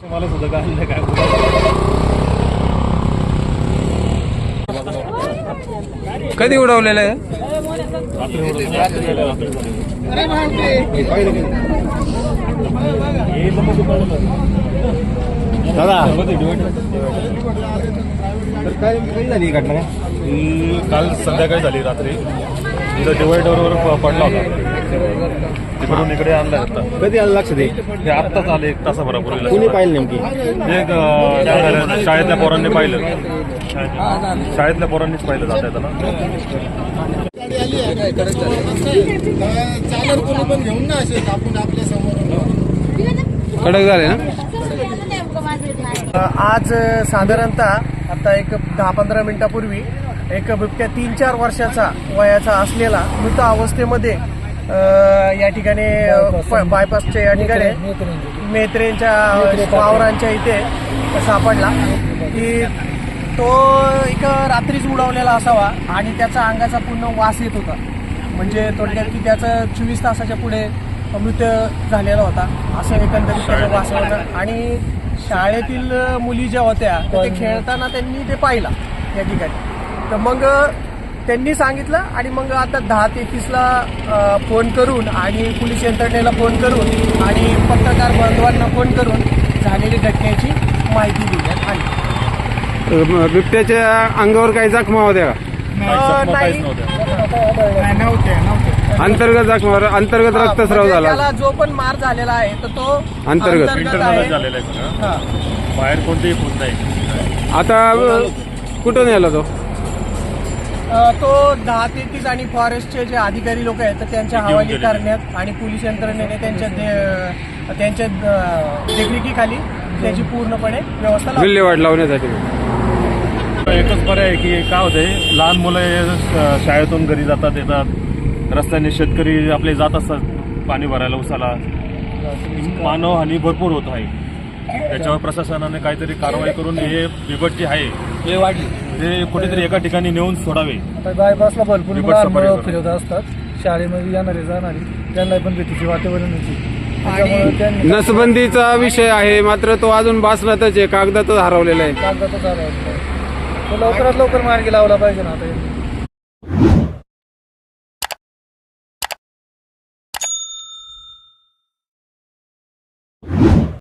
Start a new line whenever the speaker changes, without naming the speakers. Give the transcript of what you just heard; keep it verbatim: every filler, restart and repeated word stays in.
मला सुद्धा काय काय
कधी उडवलेलं आहे?
दादा तर काय कधी झाली ही घटना? काल संध्याकाळी झाली रात्री. इथं डिवायडरवर पडला होता, तिकडून इकडे आणला होता. कधी आलं लक्ष दे? हे आत्ताच आले एक तासाभरापूर्वी. कोणी पाहिलं नेमकी? एक अं, शाळेतल्या पोरांनी पाहिलं. शाळेतल्या पोरांनीच पाहिलं जात आहे त्याला.
कडक झाले ना?
आज साधारणतः आता एक दहा पंधरा मिनिटापूर्वी एक बिबट्या तीन चार वर्षाचा वयाचा असलेला मृत अवस्थेमध्ये या ठिकाणी बायपासच्या या ठिकाणी मेत्रेंच्या वावरांच्या इथे सापडला की तो एक रात्रीच उडवलेला असावा आणि त्याचा अंगाचा पूर्ण वास येत होता. म्हणजे थोडक्यात की त्याचं चोवीस तासाच्या पुढे मृत्यू झालेला होता असं एकंदरीत त्याचं वास होतं. आणि शाळेतील मुली ज्या होत्या ते खेळताना त्यांनी ते पाहिला या ठिकाणी. तर मग त्यांनी सांगितलं आणि मग आता दहा तेहतीसला फोन करून आणि पोलीस यंत्रणेला फोन करून आणि पत्रकार बांधवांना फोन करून झालेली घटनेची माहिती देण्यात आली.
बिबट्याच्या अंगावर काही जखमा होत्या का?
नाही नव्हते
अंतर्गत जखमावर अंतर्गत रक्तस्राव झाला.
त्याला जो पण मार झालेला आहे तर तो
अंतर्गत
झालेला आहे, बाहेर कोणतेही होत नाही.
आता कुठून याला तो?
तो दहा तेहतीस आणि फॉरेस्टचे जे अधिकारी लोक आहेत तर त्यांच्या हवाली करण्यात आणि पोलीस यंत्रणेने त्यांच्या त्यांच्या देखरेखीखाली त्याची पूर्णपणे व्यवस्था
विल्हेवाट लावण्यासाठी.
एकच पर्याय आहे की काय होतंय, लहान मुलं शाळेतून घरी जातात येतात, रस्त्याने शेतकरी आपले जात असतात पाणी भरायला उसाला, मानवहानी भरपूर होत आहे. त्याच्यावर प्रशासनाने काहीतरी कारवाई करून हे बिबट जे आहे
हे वाढली
ते कुठेतरी एका ठिकाणी नेऊन सोडावे.
आता बायपासला भरपूर मुलं फिरत असतात, शाळेमध्ये येणारे जाणारी त्यांना पण भीतीची वातावरण होती.
नसबंदीचा विषय आहे मात्र तो अजून बासलातच आहे, कागदातच हरवलेला आहे.
कागदातच हरवलेला आहे. तो लवकरात लवकर मार्गी लावला पाहिजे ना आता.